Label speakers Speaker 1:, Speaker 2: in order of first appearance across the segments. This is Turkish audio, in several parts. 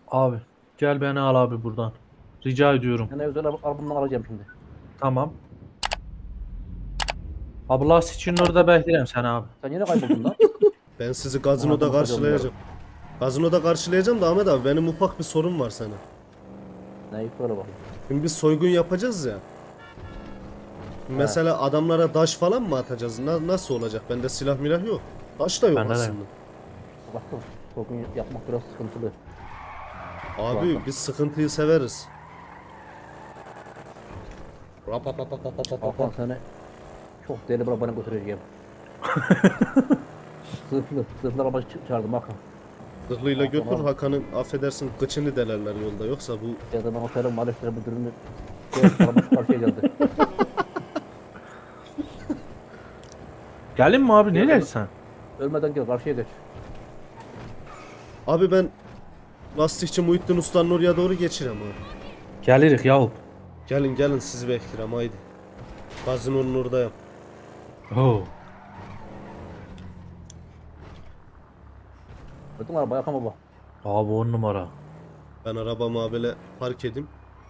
Speaker 1: Abi gel beni al abi buradan. Rica ediyorum.
Speaker 2: Yani özel albümden alacağım şimdi.
Speaker 1: Tamam. Abi lastikçinin orada beklerim seni abi.
Speaker 2: Sen yine kayboldun lan.
Speaker 3: Ben sizi
Speaker 2: Ona
Speaker 3: gazinoda
Speaker 2: bakacağım
Speaker 3: karşılayacağım. Gazinoda karşılayacağım da Ahmet abi benim ufak bir sorun var sana.
Speaker 2: Neyi söyle bakayım.
Speaker 3: Şimdi biz soygun yapacağız ya. Mesela adamlara daş falan mı atacağız? Nasıl olacak? Bende silah milah yok. Daş da yok
Speaker 1: Bende de
Speaker 3: aslında.
Speaker 2: Baktım. Bugün yapmak biraz sıkıntılı.
Speaker 3: Abi
Speaker 2: Vallahi.
Speaker 3: biz sıkıntıyı severiz.
Speaker 2: Hakan seni çok deli bir arabana götüreceğim. Sırflı araba çağırdım Hakan.
Speaker 3: Zırhlıyla götür
Speaker 2: Tamam.
Speaker 3: Hakan'ın affedersin kıçını delerler yolda yoksa bu
Speaker 2: Ya da ben otelin maalesef müdürünü araba şu karşıya geldi.
Speaker 1: Gelin mi abi nereye sen?
Speaker 2: Ölmeden gel karşıya geç.
Speaker 3: abi ben lastikçi Muhittin Usta'nın oraya doğru geçirem abi.
Speaker 1: Gelirik yahup.
Speaker 3: Gelin gelin sizi beklerim haydi. Gazinonun oradayım.
Speaker 1: Oo.
Speaker 2: Gördün mü araba Hakan baba?
Speaker 1: Abi 10 numara.
Speaker 3: Ben arabamı böyle park edeyim.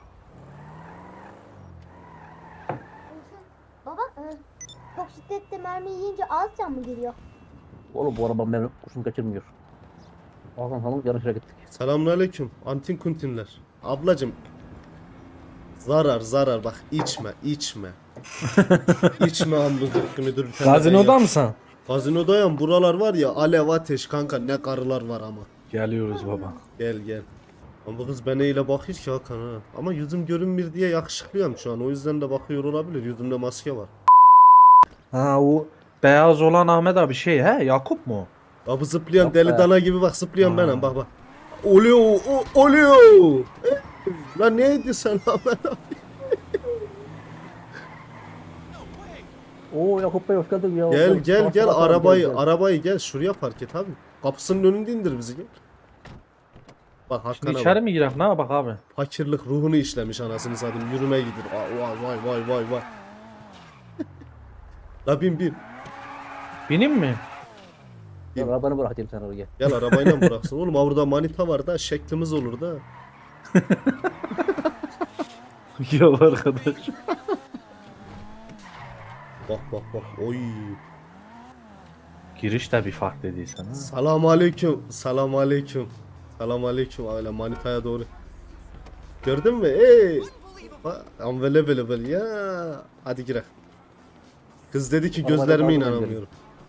Speaker 4: Baba, çok şiddetli mermi yiyince az can mı giriyor?
Speaker 2: Oğlum bu araba benim kurşun kaçırmıyor. Hakan hanım yarışa gittik.
Speaker 3: Selamünaleyküm antin kuntinler. Ablacım zarar bak içme içme hamburger müdür bir tane
Speaker 1: Gazinoda
Speaker 3: ben
Speaker 1: mısın?
Speaker 3: Gazinodayım buralar var ya alev ateş kanka ne karılar var ama.
Speaker 1: Geliyoruz baba.
Speaker 3: Gel. Ama bu kız bana ile bakıyor ki Hakan ha. Ama yüzüm görünmür diye yakışıklıyım şu an o yüzden de bakıyor olabilir yüzümde maske var.
Speaker 1: Ha o beyaz olan Ahmet abi şey he Yakup mu?
Speaker 3: Ya bu zıplayan
Speaker 2: Yok
Speaker 3: deli
Speaker 2: be.
Speaker 3: dana gibi bak zıplayan
Speaker 1: Ha.
Speaker 3: benim bak. Oluyor. Lan neydi sen Ahmet abi?
Speaker 2: Oo Yakup Bey hoş geldin ya.
Speaker 3: Gel
Speaker 2: Sabah sabah
Speaker 3: arabayı
Speaker 2: gel.
Speaker 3: arabayı gel şuraya park et abi. Kapısının önünde indir bizi gel. Bak
Speaker 1: Şimdi
Speaker 3: Hakan'a
Speaker 1: içeri
Speaker 3: bak.
Speaker 1: mi girek ne bak abi?
Speaker 3: Fakirlik ruhunu işlemiş anasını satayım. Yürüme gidir. Vay. La bin.
Speaker 1: Bineyim mi?
Speaker 2: Gel arabanı bırakayım sen oraya.
Speaker 3: Gel arabayla bıraksın. Oğlum burada manita var da şeklimiz olur da.
Speaker 1: Yok arkadaş.
Speaker 3: Bak. Oy.
Speaker 1: Giriş de bir fark dediysen ha.
Speaker 3: Selam aleyküm. Öyle manitaya doğru. Gördün mü? Ey. Unbelievable ya. Hadi girelim. Kız dedi ki
Speaker 2: Arabada
Speaker 3: gözlerime
Speaker 2: kaldım,
Speaker 3: inanamıyorum.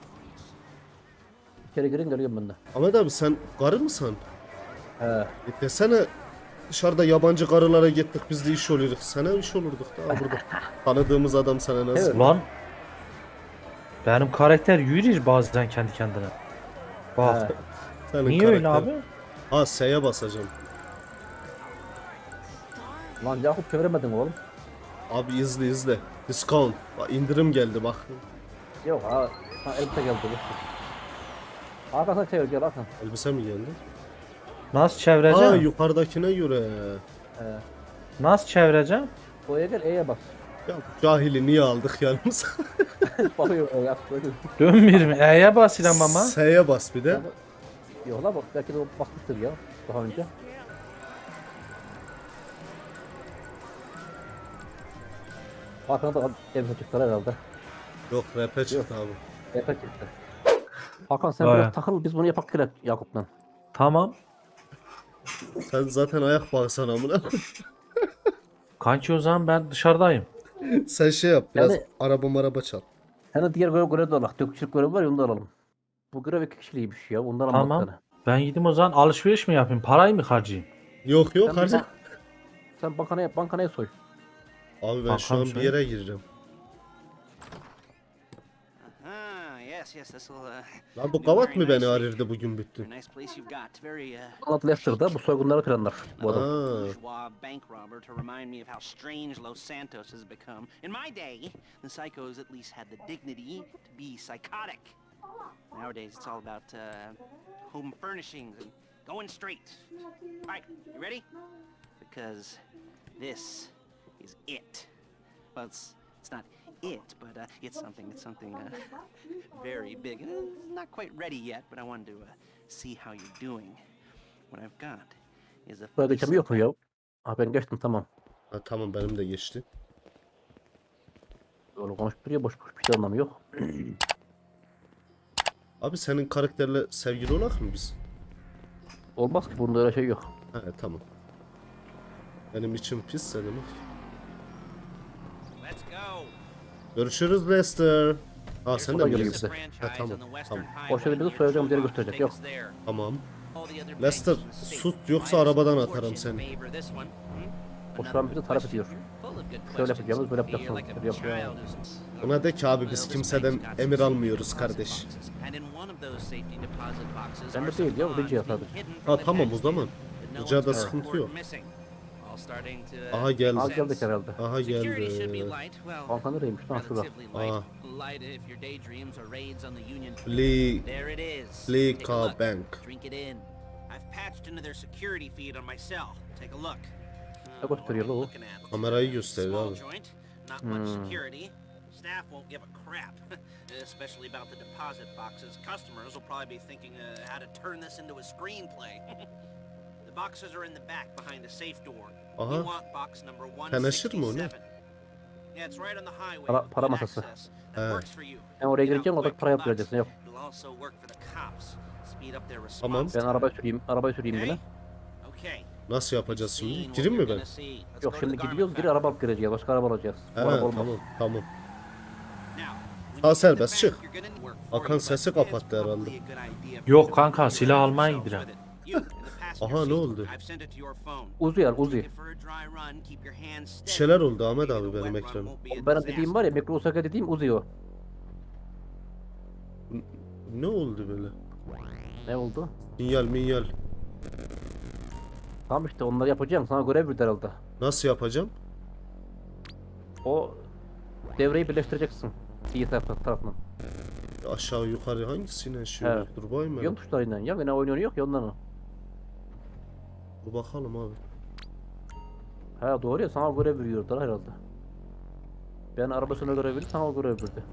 Speaker 2: İçeri girin geliyorum ben de.
Speaker 3: Ahmet abi sen karı mısın?
Speaker 2: He.
Speaker 3: Desene dışarıda yabancı karılara gittik biz de iş oluyorduk. Sana iş olurduk da burada. Tanıdığımız adam sana nasıl?
Speaker 2: Evet.
Speaker 1: Ulan benim karakter yürür bazen kendi kendine. Bak.
Speaker 2: He.
Speaker 3: Senin
Speaker 1: Niye öyle
Speaker 3: karakter-
Speaker 1: abi?
Speaker 3: Ha S'ye basacağım.
Speaker 2: Lan Yakup çeviremedin oğlum.
Speaker 3: Abi izle. Discount. Bak indirim geldi bak.
Speaker 2: Yok ha elbise geldi. Hakan sen çevir gel Hakan.
Speaker 3: Elbise mi geldi?
Speaker 1: Nasıl
Speaker 3: Ha
Speaker 1: çevireceğim?
Speaker 3: yukarıdakine göre.
Speaker 2: He.
Speaker 1: Nasıl çevireceğim?
Speaker 2: O'ya gel E'ye bas.
Speaker 3: Ya bu cahili niye aldık yanımıza?
Speaker 2: Bakıyor Yakup böyle.
Speaker 1: Dönmür mü? E'ye basıyorum ama.
Speaker 3: S'ye bas bir de.
Speaker 2: Yok la bak belki de o basmıştır ya daha önce. Hakan'a da elbise çıktılar herhalde.
Speaker 3: Yok rap'e çıktı abi.
Speaker 2: Elbise çıktı. Hakan sen
Speaker 1: Vay.
Speaker 2: biraz takıl biz bunu yapak gerek Yakup'la.
Speaker 1: Tamam.
Speaker 3: Sen zaten ayak bağırsan amına.
Speaker 1: Kanki o zaman ben dışarıdayım.
Speaker 3: Sen şey yap biraz
Speaker 2: Yani-
Speaker 3: araba çal.
Speaker 2: Hani diğer görev de alalım. Dökücülük görevi var ya onu da alalım. Bu görev 2 kişiliymiş ya. Ondan
Speaker 1: Tamam.
Speaker 2: almak tane.
Speaker 1: Ben gideyim o zaman alışveriş mi yapayım? Parayı mı harcayayım?
Speaker 3: Yok
Speaker 2: Sen,
Speaker 3: harca.
Speaker 2: sen bankanaya soy.
Speaker 3: Abi ben şu an bir yere gireceğim.
Speaker 5: Yes, this will.
Speaker 3: Lan bu kavat mı beni arırdı bugün bütün?
Speaker 5: Nice place you've got. Very
Speaker 2: Anlat Leicester'da bu soygunları planlar bu adam.
Speaker 3: Aa,
Speaker 5: bourgeois bank robber to remind me of how strange Los Santos has become. In my day, the psychos at least had the dignity to be psychotic. Nowadays, it's all about home furnishings and going straight. All right, you ready? Because this is it. Well, it's not it, but it's something very big. Not quite ready yet, but I wanted to see how you're doing. What I've got is a
Speaker 2: Buraya
Speaker 5: fully
Speaker 2: geçemi yok mu ya? Ha ben geçtim tamam.
Speaker 3: Ha, tamam benim de geçti.
Speaker 2: Öyle konuşup duruyor boş boş bir şey anlamı yok.
Speaker 3: Abi senin karakterle sevgili olak mı biz?
Speaker 2: Olmaz ki bunda öyle şey yok.
Speaker 3: He tamam. Benim için pis senin.
Speaker 5: Let's go.
Speaker 3: Görüşürüz Lester. Ha sen de
Speaker 2: Kolay
Speaker 3: mi
Speaker 2: gelsin.
Speaker 3: geldin?
Speaker 5: Franchise
Speaker 3: Ha, tamam,
Speaker 5: on the Western
Speaker 3: tamam.
Speaker 5: Highway
Speaker 2: O şeyde bizi
Speaker 5: near
Speaker 2: soyacağım yeri
Speaker 5: Schumacher.
Speaker 2: gösterecek,
Speaker 5: Take
Speaker 2: yok.
Speaker 5: us there.
Speaker 3: Tamam.
Speaker 5: All the other
Speaker 3: Lester
Speaker 5: banks in the
Speaker 3: sus
Speaker 5: state
Speaker 3: yoksa
Speaker 5: might
Speaker 3: arabadan
Speaker 5: have
Speaker 3: atarım
Speaker 5: fortune
Speaker 3: seni.
Speaker 5: favor this one.
Speaker 2: O şu an bizi tarif ediyor.
Speaker 5: Full of good
Speaker 2: Şöyle
Speaker 5: questions.
Speaker 2: yapacağımız böyle
Speaker 5: You're
Speaker 2: yapacaksınız.
Speaker 5: like a
Speaker 2: Böyle yapıyor.
Speaker 5: child who's-
Speaker 3: Ona de ki abi biz
Speaker 5: Well, this
Speaker 3: kimseden
Speaker 5: bank's got some
Speaker 3: emir
Speaker 5: safety
Speaker 3: almıyoruz
Speaker 5: deposit
Speaker 3: kardeş.
Speaker 5: boxes. And in one of those safety deposit boxes
Speaker 2: Ben de
Speaker 5: are some
Speaker 2: değil ya, o
Speaker 5: bonds
Speaker 2: Rica
Speaker 5: being
Speaker 2: sadece.
Speaker 5: hidden
Speaker 3: Ha
Speaker 5: from the
Speaker 3: tamam o
Speaker 5: tax
Speaker 3: zaman.
Speaker 5: man, but no
Speaker 3: Rica'da
Speaker 5: one's
Speaker 3: sıkıntı
Speaker 5: report
Speaker 3: yok.
Speaker 5: missing. All starting to,
Speaker 3: Aha geldi.
Speaker 2: Aa geldik herhalde.
Speaker 3: Aha
Speaker 5: Security should be
Speaker 3: geldi.
Speaker 5: light. Well,
Speaker 2: Banka nereymiş lan şurada.
Speaker 5: relatively light.
Speaker 3: Aa.
Speaker 5: Light if your daydreams are raids on the Union.
Speaker 3: Flee.
Speaker 5: There it is.
Speaker 3: Flee
Speaker 5: Take a
Speaker 3: car
Speaker 5: look.
Speaker 3: bank.
Speaker 5: Drink it in. I've patched into their security feed on my cell. Take a look.
Speaker 2: Ne gösteriyor lan o?
Speaker 5: Looking at.
Speaker 3: Kamerayı gösteriyor
Speaker 5: Small
Speaker 3: abi.
Speaker 5: joint, not much
Speaker 2: Hmm.
Speaker 5: security. Staff won't give a crap, especially about the deposit boxes. Customers will probably be thinking how to turn this into a screenplay. The boxes are in the back behind the safe door.
Speaker 3: Aha.
Speaker 5: You want box number
Speaker 3: Teneşir mi o ne?
Speaker 5: 167. Yeah, it's right on the highway.
Speaker 2: Para-
Speaker 5: with
Speaker 2: para
Speaker 5: good
Speaker 2: masası.
Speaker 5: access. That
Speaker 3: He.
Speaker 5: works for you.
Speaker 2: Ben oraya
Speaker 5: Get out
Speaker 2: gireceğim orada
Speaker 5: quick,
Speaker 2: para
Speaker 5: but
Speaker 2: yapacaksın. Yok.
Speaker 5: it'll also work for the cops. Speed up their
Speaker 3: Tamam.
Speaker 5: response.
Speaker 2: Ben arabayı süreyim
Speaker 5: Okay?
Speaker 2: yine.
Speaker 5: Okay.
Speaker 3: Nasıl yapacağız
Speaker 5: Seen
Speaker 3: şimdi?
Speaker 5: what
Speaker 3: Gireyim mi
Speaker 5: you're
Speaker 3: ben?
Speaker 5: gonna see. Let's
Speaker 2: Yok
Speaker 5: go to
Speaker 2: şimdi
Speaker 5: the garment
Speaker 2: gidiyoruz geri
Speaker 5: factory.
Speaker 2: araba alıp gireceğiz. Başka araba alacağız.
Speaker 3: He
Speaker 2: Bu araba olmaz.
Speaker 3: tamam tamam.
Speaker 5: Now, when
Speaker 3: Ha,
Speaker 5: you
Speaker 3: serbest,
Speaker 5: get the
Speaker 3: çık.
Speaker 5: bank, you're gonna work for
Speaker 3: Hakan
Speaker 5: you, but
Speaker 3: sesi
Speaker 5: it's
Speaker 3: kapattı herhalde.
Speaker 5: probably a good idea for
Speaker 1: Yok
Speaker 5: you to
Speaker 1: kanka,
Speaker 5: familiarize
Speaker 1: silah almaya
Speaker 5: yourselves
Speaker 1: gidiyorum.
Speaker 5: with it. You, in the passenger
Speaker 3: Aha, ne
Speaker 5: seat,
Speaker 3: oldu?
Speaker 5: I've sent it to your phone.
Speaker 2: Uzi yer
Speaker 5: Take
Speaker 2: Uzi.
Speaker 5: it for a dry run, keep your hands
Speaker 3: Bir
Speaker 5: steady.
Speaker 3: şeyler oldu Ahmet
Speaker 5: Maybe
Speaker 3: abi
Speaker 5: the
Speaker 3: benim
Speaker 5: wet run
Speaker 3: ekranım.
Speaker 5: won't be a
Speaker 2: Benim dediğim
Speaker 5: disaster.
Speaker 2: var ya Mikro Osaka dediğim Uzi o.
Speaker 3: Ne oldu böyle?
Speaker 2: Ne oldu?
Speaker 3: Minyal minyal.
Speaker 2: Tamam işte onları yapacağım. Sana görev verdi herhalde.
Speaker 3: Nasıl yapacağım?
Speaker 2: O devreyi birleştireceksin. İyi tarafından.
Speaker 3: Aşağı yukarı hangisine şöyle
Speaker 2: Evet.
Speaker 3: dur bakayım
Speaker 2: Yön
Speaker 3: ben.
Speaker 2: tuşlarıyla ya. Yine oynuyor yok ya ondan o.
Speaker 3: Dur bakalım abi.
Speaker 2: Ha doğru ya sana görev veriyorlar herhalde. Ben arabasına görev verdim sana o görev verdi.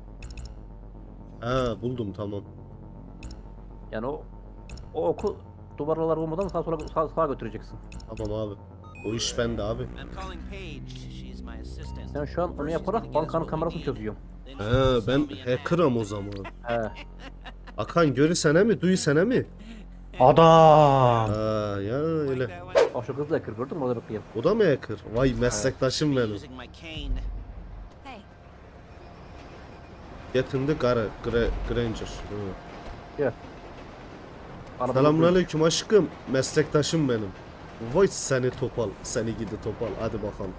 Speaker 3: He buldum tamam.
Speaker 2: Yani o oku duvarlar olmadan sağa götüreceksin.
Speaker 3: Tamam abi. O iş bende abi.
Speaker 5: I'm calling Paige. She's my assistant.
Speaker 2: Sen şu an onu yaparak bankanın kamerasını çözüyorsun.
Speaker 3: He ben hacker'ım o zaman.
Speaker 2: He.
Speaker 3: Akan görürsene mi duysana mi?
Speaker 1: Adam.
Speaker 3: Ha ya öyle.
Speaker 2: Bak şu kızla yakır gördün mü orada bekleyin.
Speaker 3: O da mı hacker? Vay meslektaşım benim.
Speaker 5: Using my cane.
Speaker 4: Hey,
Speaker 3: Yetindi Granger. Hı.
Speaker 2: Gel. Arabada
Speaker 3: Selamünaleyküm aşkım. Meslektaşım benim. Vay seni topal. Seni gidi topal. Hadi bakalım.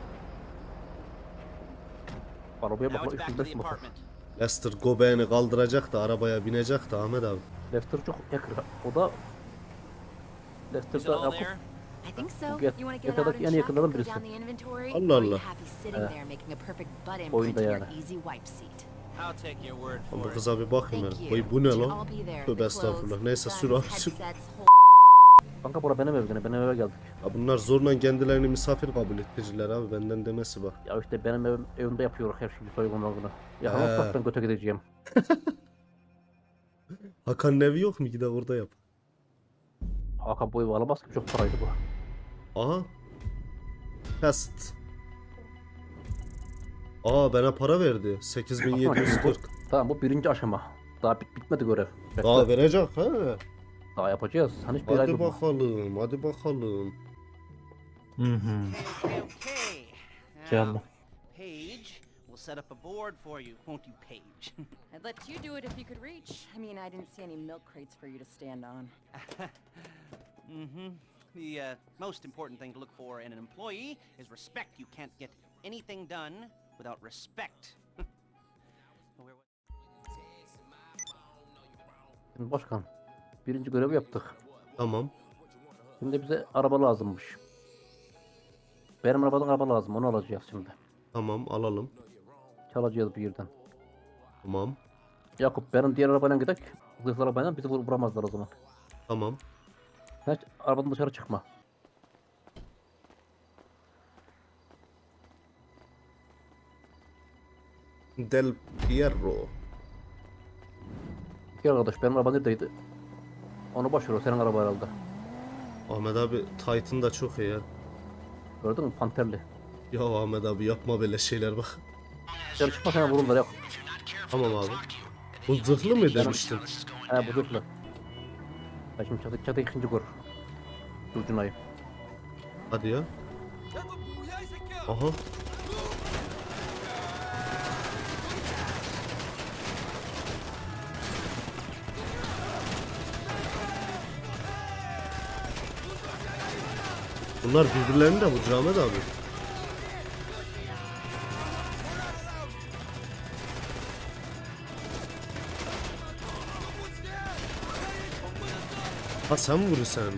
Speaker 2: Arabaya
Speaker 5: Now
Speaker 2: bakma
Speaker 5: it's back to
Speaker 2: 305
Speaker 5: the
Speaker 2: motor.
Speaker 5: apartment.
Speaker 3: Lester göbeğini kaldıracak da arabaya binecek de Ahmet abi.
Speaker 2: Lester çok yakır. O da
Speaker 5: Is it
Speaker 2: Lester'da
Speaker 5: all
Speaker 2: Yakup.
Speaker 5: there?
Speaker 6: I think so.
Speaker 2: Get-
Speaker 6: You want to
Speaker 2: get
Speaker 6: get out
Speaker 2: out
Speaker 6: and
Speaker 2: en
Speaker 6: check,
Speaker 2: yakınlardan
Speaker 6: go
Speaker 2: birisi.
Speaker 6: down the inventory?
Speaker 3: Allah
Speaker 6: Or are you
Speaker 3: Allah.
Speaker 6: happy sitting there making a perfect butt imprint
Speaker 2: Oyunda
Speaker 6: in your
Speaker 2: yani.
Speaker 6: easy wipe seat?
Speaker 5: I'll take your word
Speaker 3: Ben
Speaker 5: for
Speaker 3: bu
Speaker 5: it.
Speaker 3: kıza bir bakayım
Speaker 6: Thank
Speaker 3: ben.
Speaker 6: you.
Speaker 3: Vay bu ne
Speaker 6: Should
Speaker 3: lan?
Speaker 6: all be there.
Speaker 3: Tövbe
Speaker 6: The
Speaker 3: estağfurullah.
Speaker 6: clothes,
Speaker 3: Neyse
Speaker 6: guns,
Speaker 3: sür abi sür.
Speaker 6: headsets, whole
Speaker 2: Kanka bura benim evim. Benim eve geldik.
Speaker 3: Ya bunlar zorla kendilerini misafir kabul ettiriciler abi benden demesi bak.
Speaker 2: Ya işte benim evimde yapıyoruz her şeyi soygunlarını. Ya
Speaker 3: He.
Speaker 2: ama ben göte gideceğim.
Speaker 3: Hakan'ın evi yok mu? Gide orada yap.
Speaker 2: Hakan bu evi alamaz ki çok paraydı bu.
Speaker 3: Aha. Test. Aa bana para verdi. 8740.
Speaker 2: Tamam bu birinci aşama. Daha bitmedi görev. Bekle.
Speaker 3: Daha verecek ha.
Speaker 2: Daha yapacağız. Hani hiçbir ay
Speaker 3: Hadi
Speaker 2: durma.
Speaker 3: bakalım. Hadi bakalım.
Speaker 1: Hı hı.
Speaker 5: Okay, okay.
Speaker 1: Geldim.
Speaker 5: Now, Paige will set up a board for you, won't you, Paige?
Speaker 6: I'd let you do it if you could reach. I mean, I didn't see any milk crates for you to stand on.
Speaker 5: Mm-hmm. The most important thing to look for in an employee is respect. You can't get anything done without respect.
Speaker 2: Şimdi başkan. Birinci görevi yaptık.
Speaker 3: Tamam.
Speaker 2: Şimdi bize araba lazımmış. Benim arabadan araba lazım. Onu alacağız şimdi.
Speaker 3: Tamam alalım.
Speaker 2: Çalacağız bir yerden.
Speaker 3: Tamam.
Speaker 2: Yakup benim diğer arabayla gidelim. Zırhlı arabayla bizi vuramazlar o zaman.
Speaker 3: Tamam.
Speaker 2: Sen hiç arabadan dışarı çıkma.
Speaker 3: Del Piero.
Speaker 2: Gel arkadaş benim araba neredeydi? Onu boş ver o senin araba herhalde.
Speaker 3: Ahmet abi Titan da çok iyi ya.
Speaker 2: Gördün mü panterli.
Speaker 3: Ya Ahmet abi yapma böyle şeyler bak.
Speaker 2: Dışarı çıkma sana vururlar yok.
Speaker 3: Tamam abi. Bu zırhlı mı demiştin?
Speaker 2: He bu zırhlı. Ben şimdi çatı ikinci kur. Durcunayım.
Speaker 3: Hadi ya. Aha. Bunlar birbirlerini de vurur Ahmet abi. Ha sen vurursan.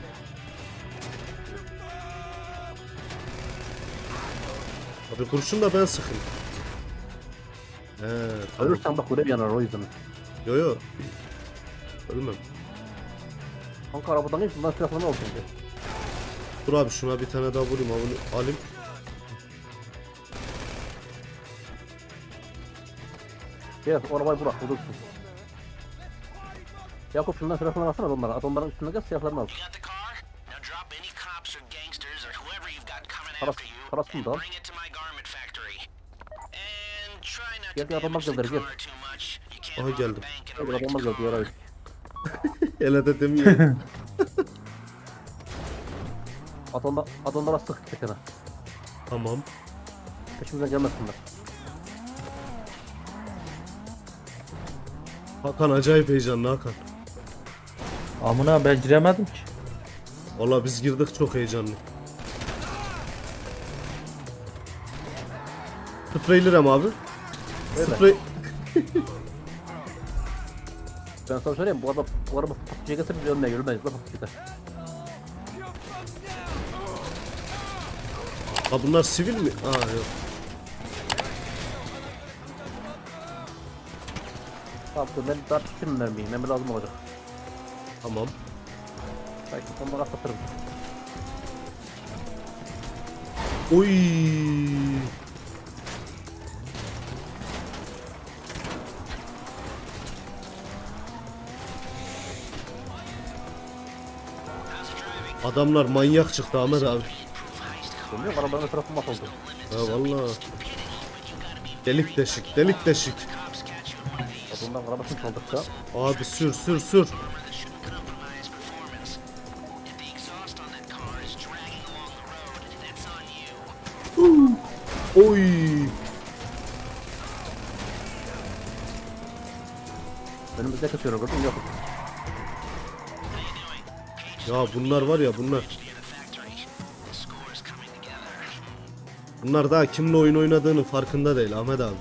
Speaker 3: Abi kurşun da ben sıkayım. He tamam.
Speaker 2: Ölürsen bak görev yanar o yüzden.
Speaker 3: Yo yo. Ölmem.
Speaker 2: Kanka arabadan geç bundan silahlarını al şimdi.
Speaker 3: Dur abi şuna bir tane daha vurayım abi. Alayım.
Speaker 2: Gel o arabayı bırak vurursun. Yakup şundan silahlarını alsana onlara. Adamların üstüne gel silahlarını al.
Speaker 5: You got the car? Now drop any cops or gangsters or whoever you've got coming
Speaker 2: Paras-
Speaker 5: after you
Speaker 2: parasını da al.
Speaker 5: and bring it to my garment factory. And try not
Speaker 2: Gel,
Speaker 5: to
Speaker 2: gel, adamlar
Speaker 5: damage the
Speaker 2: geldi, gel.
Speaker 5: car too much. You can't
Speaker 3: Aha,
Speaker 5: rob a
Speaker 3: geldim.
Speaker 5: bank in a
Speaker 2: Hadi
Speaker 5: wrecked
Speaker 2: adamlar geldi
Speaker 5: car.
Speaker 2: yarayı.
Speaker 3: Ele de demiyor.
Speaker 2: Adamlara sık tekene.
Speaker 3: Tamam.
Speaker 2: Peşimizden gelmesinler.
Speaker 3: Hakan acayip heyecanlı Hakan.
Speaker 1: Amına ben giremedim ki.
Speaker 3: Valla biz girdik çok heyecanlı. Spreylerim abi.
Speaker 2: Öyle.
Speaker 3: Sprey...
Speaker 2: Ben sana söyleyeyim bu araba PUBG'ye gelse biz ölmeye yürümeyiz la PUBG'de.
Speaker 3: Ha bunlar sivil mi? Aa yok.
Speaker 2: Tamam ben daha tutayım mermiyi. Mermi lazım olacak.
Speaker 3: Tamam.
Speaker 2: Belki onları atlatırım.
Speaker 3: Oy. Adamlar manyak çıktı Ahmet abi.
Speaker 2: Görmüyor musun? Arabanın tarafı mahvoldu.
Speaker 3: Ha valla. Delik deşik, delik deşik.
Speaker 2: Adamdan arabasını çaldık da.
Speaker 3: Abi sür sür sür. Oy.
Speaker 2: Önümüzde kesiyor gördün mü? Yok.
Speaker 3: Ya bunlar var ya bunlar. Bunlar daha kimle oyun oynadığının farkında değil Ahmet abi.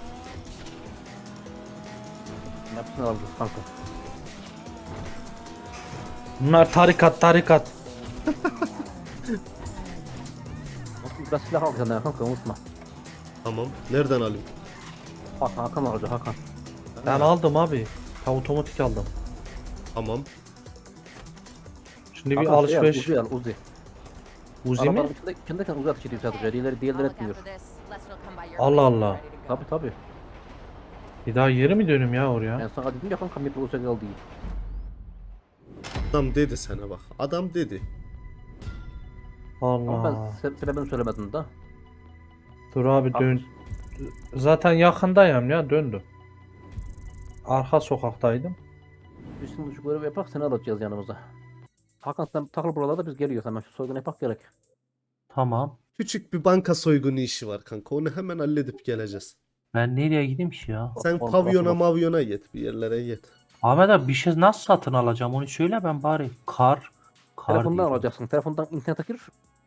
Speaker 2: Hepsini aldık kanka.
Speaker 1: Bunlar tarikat.
Speaker 2: Biraz silah al senden kanka unutma.
Speaker 3: Tamam. Nereden alayım?
Speaker 2: Hakan alacak Hakan.
Speaker 1: Ben aldım abi. Ben otomatik aldım.
Speaker 3: Tamam.
Speaker 1: Şimdi bir
Speaker 2: Hakan,
Speaker 1: alışveriş.
Speaker 2: Uzi al Uzi.
Speaker 1: Uzi mi?
Speaker 2: Arabanın içindeyken Uzi ateş ediyor sadece. Diğerleri
Speaker 6: I'll look
Speaker 2: etmiyor.
Speaker 6: after this. Lester will come by your
Speaker 1: Allah
Speaker 6: place when
Speaker 1: Allah.
Speaker 6: we're ready to go.
Speaker 2: Tabi.
Speaker 1: Bir daha yeri mi dönüm ya oraya?
Speaker 2: Ben sana dedim ya kanka Mip Uzi al değil.
Speaker 3: Adam dedi sana bak. Adam dedi.
Speaker 2: Ama
Speaker 1: Allah.
Speaker 2: ben sebebini söylemedim da.
Speaker 1: Dur abi dön. Zaten yakındayım ya döndüm. Arka sokaktaydım.
Speaker 2: Biz şimdi şu görevi yapak seni alacağız yanımıza. Hakan sen takıl buralarda biz geliyoruz hemen şu soygunu yapak gerek.
Speaker 1: Tamam.
Speaker 3: Küçük bir banka soygunu işi var kanka. Onu hemen halledip geleceğiz.
Speaker 1: Ben nereye gideyim ki ya?
Speaker 3: Sen
Speaker 2: Bak,
Speaker 3: pavyona
Speaker 2: bak.
Speaker 3: mavyona git. Bir yerlere git.
Speaker 1: Ahmet abi bir şey nasıl satın alacağım onu söyle ben bari. Kar
Speaker 2: Telefondan
Speaker 1: diyeceğim.
Speaker 2: alacaksın. Telefondan internete gir.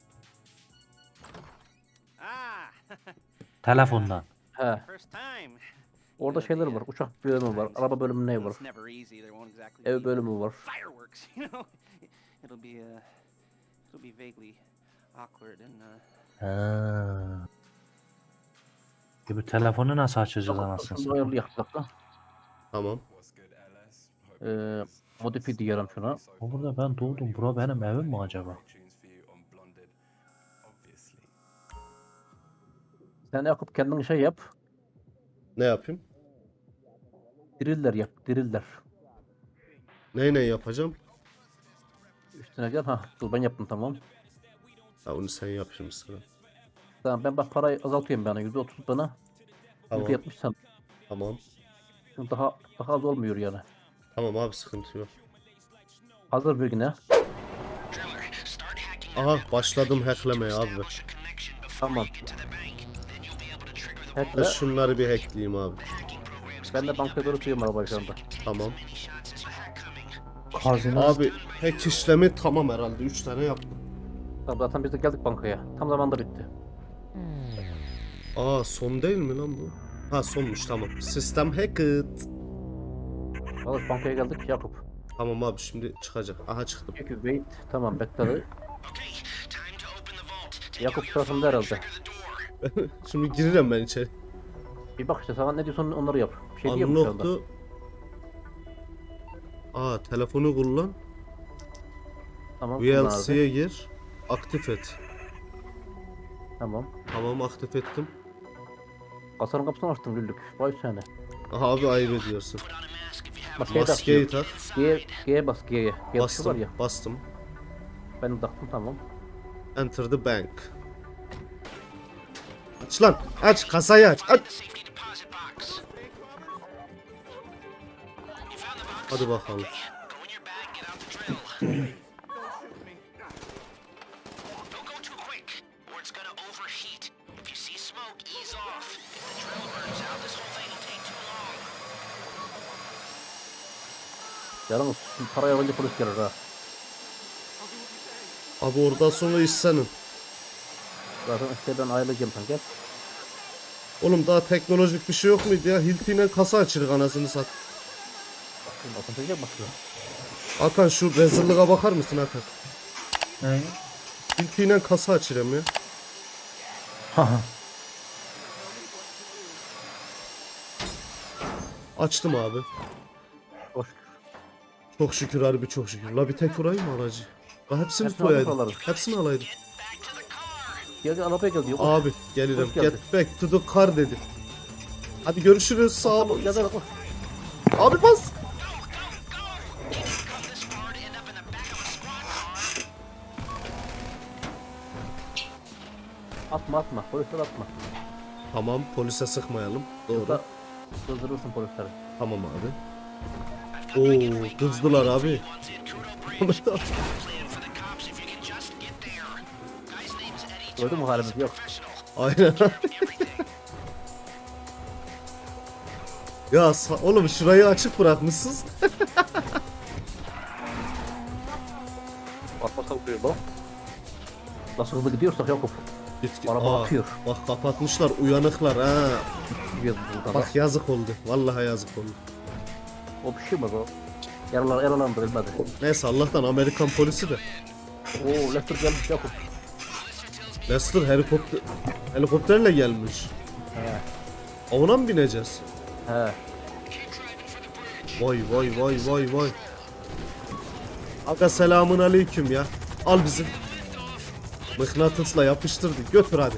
Speaker 5: Ah,
Speaker 1: Telefondan.
Speaker 2: He.
Speaker 5: first time.
Speaker 2: Orada şeyler var. Uçak bölümü var. Araba bölümü ne var?
Speaker 5: It's never easy. There won't exactly
Speaker 2: Ev
Speaker 5: be
Speaker 2: bölümü var.
Speaker 5: fireworks, you know. It'll be vaguely awkward and
Speaker 1: Ha. Bu telefonu nasıl açacağız anasını
Speaker 2: Şunu
Speaker 1: satayım?
Speaker 2: ayarlayak bir dakika.
Speaker 3: Tamam.
Speaker 2: Modifi diyelim şuna.
Speaker 1: O burada ben doğdum. Bura benim evim mi acaba?
Speaker 2: Sen Yakup kendin şey yap.
Speaker 3: Ne yapayım?
Speaker 2: Driller yap. Driller.
Speaker 3: Ne yapacağım?
Speaker 2: üstüne gel. Ha dur ben yaptım tamam.
Speaker 3: Ya onu sen yap şimdi sıra.
Speaker 2: Tamam ben bak parayı azaltıyorum bana. %30 bana.
Speaker 3: Tamam.
Speaker 2: %70 sen.
Speaker 3: Tamam.
Speaker 2: Şimdi daha az olmuyor yani.
Speaker 3: Tamam abi sıkıntı yok.
Speaker 2: Hazır bir güne.
Speaker 3: Aha başladım hacklemeye abi.
Speaker 2: Tamam.
Speaker 3: Ben
Speaker 2: Hackle.
Speaker 3: şunları bir hackleyeyim abi.
Speaker 2: Ben de bankaya doğru sürüyorum arabayı şu anda.
Speaker 3: Tamam.
Speaker 1: Hazine.
Speaker 3: Abi hack işlemi tamam herhalde. 3 tane yaptım.
Speaker 2: Tamam zaten biz de geldik bankaya. Tam zamanda bitti.
Speaker 3: Aa son değil mi lan bu? Ha sonmuş tamam. Sistem hacked.
Speaker 2: Arkadaş bankaya geldik Yakup.
Speaker 3: Tamam abi şimdi çıkacak. Aha çıktım.
Speaker 2: Peki wait. Tamam bekle. Yakup tarafında herhalde.
Speaker 3: Şimdi girerim ben içeri.
Speaker 2: Bir bak işte sana ne diyorsan onları yap. Bir şey diyeyim şu anda.
Speaker 3: Unlock'tu. Aa telefonu kullan.
Speaker 2: Tamam. kullan abi.
Speaker 3: VLC'ye gir. Aktif et.
Speaker 2: Tamam.
Speaker 3: Tamam aktif ettim.
Speaker 2: Kasanın kapısını açtım güldük. Vay sene.
Speaker 3: Aha abi ayıp ediyorsun.
Speaker 2: Maskeyi
Speaker 3: Maskeyi
Speaker 2: tak.
Speaker 3: tak.
Speaker 2: G'ye bas G'ye. G tuşu var ya.
Speaker 3: Bastım.
Speaker 2: Ben de taktım tamam.
Speaker 3: Enter the bank. Aç lan. Aç kasayı aç. Aç. Hadi bakalım.
Speaker 2: Yalnız şimdi parayı alınca polis gelir ha.
Speaker 3: Abi oradan sonra iş senin.
Speaker 2: Zaten işte ben ayrılacağım sen gel.
Speaker 3: Oğlum daha teknolojik bir şey yok muydu ya? Hilti'yle kasa açırık anasını sat.
Speaker 2: Şimdi atılacak bakıyor.
Speaker 3: Hakan şu rezilliğe bakar mısın Hakan?
Speaker 1: Ne?
Speaker 3: Hilti'yle kasa açırım ya.
Speaker 1: Haha.
Speaker 3: Açtım abi.
Speaker 2: Hoş.
Speaker 3: Çok şükür harbi çok şükür. La bir tek vurayım mı aracı? La hepsini
Speaker 2: Hepsini
Speaker 3: koyaydım.
Speaker 2: alalım.
Speaker 3: Hepsini alaydım.
Speaker 2: Gel arabaya gel diyor.
Speaker 3: Abi gelirim.
Speaker 2: Hoş geldin.
Speaker 3: Get back to the car dedi. Hadi görüşürüz sağ ol.
Speaker 2: Ya da bak.
Speaker 3: Abi bas.
Speaker 2: Atma. Polisler atma.
Speaker 3: Tamam polise sıkmayalım. Doğru.
Speaker 2: Yoksa kızdırırsın polisleri.
Speaker 3: Tamam abi. Oo kızdılar abi.
Speaker 2: Gördün mü halimiz yok.
Speaker 3: Aynen. Ya oğlum şurayı açık bırakmışsınız.
Speaker 2: Atmasa vuruyor bak. Nasıl hızlı gidiyorsak Yakup.
Speaker 3: Git,
Speaker 2: Araba
Speaker 3: Aa,
Speaker 2: akıyor.
Speaker 3: Bak kapatmışlar uyanıklar ha.
Speaker 2: Gidiyoruz buradan.
Speaker 3: Bak yazık oldu. Vallahi yazık oldu.
Speaker 2: O pişirmez o. Yaralandırılmadı.
Speaker 3: Neyse Allah'tan Amerikan polisi de.
Speaker 2: Oo Lester gelmiş Yakup.
Speaker 3: Lester helikopterle gelmiş.
Speaker 2: He.
Speaker 3: Ona mı bineceğiz?
Speaker 2: He.
Speaker 3: Vay. Aga selamun aleyküm ya. Al bizi. Mıknatısla yapıştırdık. Götür hadi.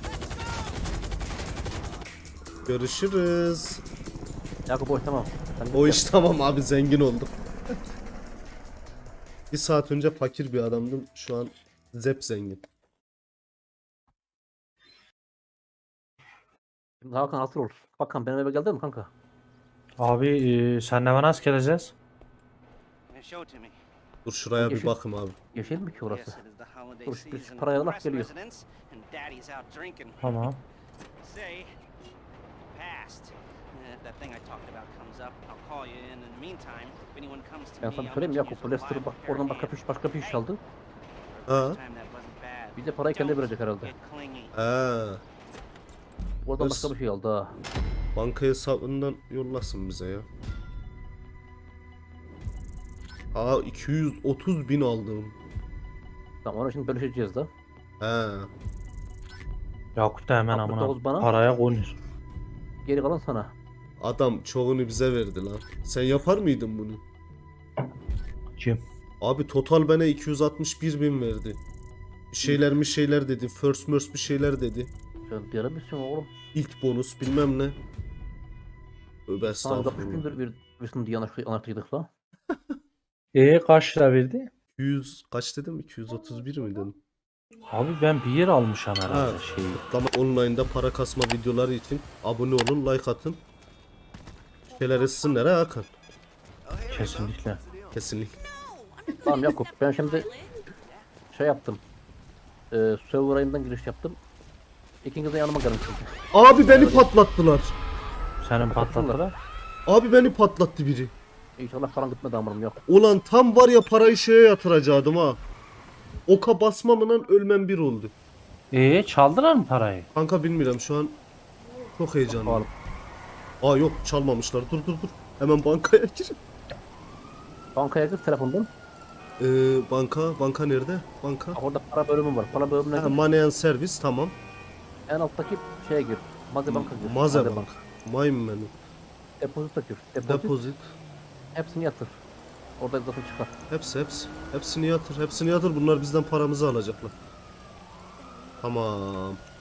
Speaker 3: Görüşürüz.
Speaker 2: Yakup boş tamam. Sen
Speaker 3: O
Speaker 2: git
Speaker 3: iş tamam abi zengin oldum. Bir saat önce fakir bir adamdım. Şu an zep zengin.
Speaker 2: Şimdi Hakan hatır olur. Hakan benim eve geldin mi kanka?
Speaker 1: Abi senle ben nasıl geleceğiz?
Speaker 5: Show it to me.
Speaker 3: Dur şuraya bir
Speaker 2: Yeşil.
Speaker 3: bakım abi.
Speaker 2: Yeşil mi ki
Speaker 5: Yes,
Speaker 2: orası?
Speaker 5: it is the holiday
Speaker 2: Dur, bir
Speaker 5: season.
Speaker 2: parayı alak
Speaker 5: Rest
Speaker 2: geliyor.
Speaker 5: residents and daddy's out drinking.
Speaker 1: Tamam.
Speaker 5: Say, past. If that thing I talked about comes up, I'll call you in the meantime. If anyone comes to
Speaker 2: Ben
Speaker 5: me,
Speaker 2: sana
Speaker 5: I'll
Speaker 2: söyleyeyim
Speaker 5: let you
Speaker 2: Yakup.
Speaker 5: use
Speaker 2: Lester
Speaker 5: a
Speaker 2: bak
Speaker 5: pair of
Speaker 2: oradan
Speaker 5: hands.
Speaker 2: başka bir iş aldı.
Speaker 3: Ha?
Speaker 5: Time that wasn't bad.
Speaker 2: Bize parayı kendi verecek herhalde.
Speaker 5: Get clingy.
Speaker 3: Ha.
Speaker 2: Oradan
Speaker 3: Hırs.
Speaker 2: başka bir şey aldı ha.
Speaker 3: Banka hesabından yollasın bize ya. Aa 230 bin aldım.
Speaker 2: Tamam onu şimdi bölüşeceğiz da.
Speaker 3: He.
Speaker 1: Yakup da hemen
Speaker 2: 69
Speaker 1: amına
Speaker 2: bana.
Speaker 1: paraya konur.
Speaker 2: Geri kalan sana.
Speaker 3: Adam çoğunu bize verdi lan. Sen yapar mıydın bunu?
Speaker 1: Kim?
Speaker 3: Abi total bana 261 bin verdi. Bir şeyler dedi. First merge bir şeyler dedi.
Speaker 2: Sen diyene misin oğlum?
Speaker 3: İlk bonus bilmem ne. Tövbe
Speaker 2: Sana 60
Speaker 3: estağfurullah.
Speaker 2: gündür bir virüsün diye anlaştıydık la.
Speaker 1: Kaç lira verdi?
Speaker 3: 200 kaç dedim? 231 mi dedim?
Speaker 1: Abi ben bir yer almışım herhalde
Speaker 3: Ha.
Speaker 1: şeyi.
Speaker 3: Tamam, online'da para kasma videoları için abone olun, like atın. Şeyler etsinler ha Hakan.
Speaker 1: Kesinlikle.
Speaker 3: Kesinlikle.
Speaker 2: Tamam Yakup, ben şimdi şey yaptım. Server ayından giriş yaptım. İkiniz de yanıma gelin çünkü.
Speaker 3: Abi beni patlattılar.
Speaker 1: Senin patlattılar.
Speaker 3: Abi beni patlattı biri.
Speaker 2: İnşallah paran gitmedi amurum yok.
Speaker 3: Ulan tam var ya parayı şeye yatıracaktım ha. Oka basmamla ölmem bir oldu.
Speaker 1: Çaldılar mı parayı?
Speaker 3: Kanka bilmiyorum şu an çok heyecanlıyım.
Speaker 2: Oğlum.
Speaker 3: Aa yok, çalmamışlar. Dur. Hemen bankaya gir.
Speaker 2: Bankaya gir telefondan.
Speaker 3: Banka nerede? Banka.
Speaker 2: Bak orada para bölümü var. Para bölümüne
Speaker 3: Ha,
Speaker 2: gir.
Speaker 3: Money and Service, tamam.
Speaker 2: En alttaki şeye gir. Maze banka gir.
Speaker 3: Maze Bank. Mine Menu.
Speaker 2: Depozito gir.
Speaker 3: Deposit.
Speaker 2: Hepsini yatır. Orada zaten çıkar.
Speaker 3: Hepsi. Hepsini yatır. Bunlar bizden paramızı alacaklar. Tamam.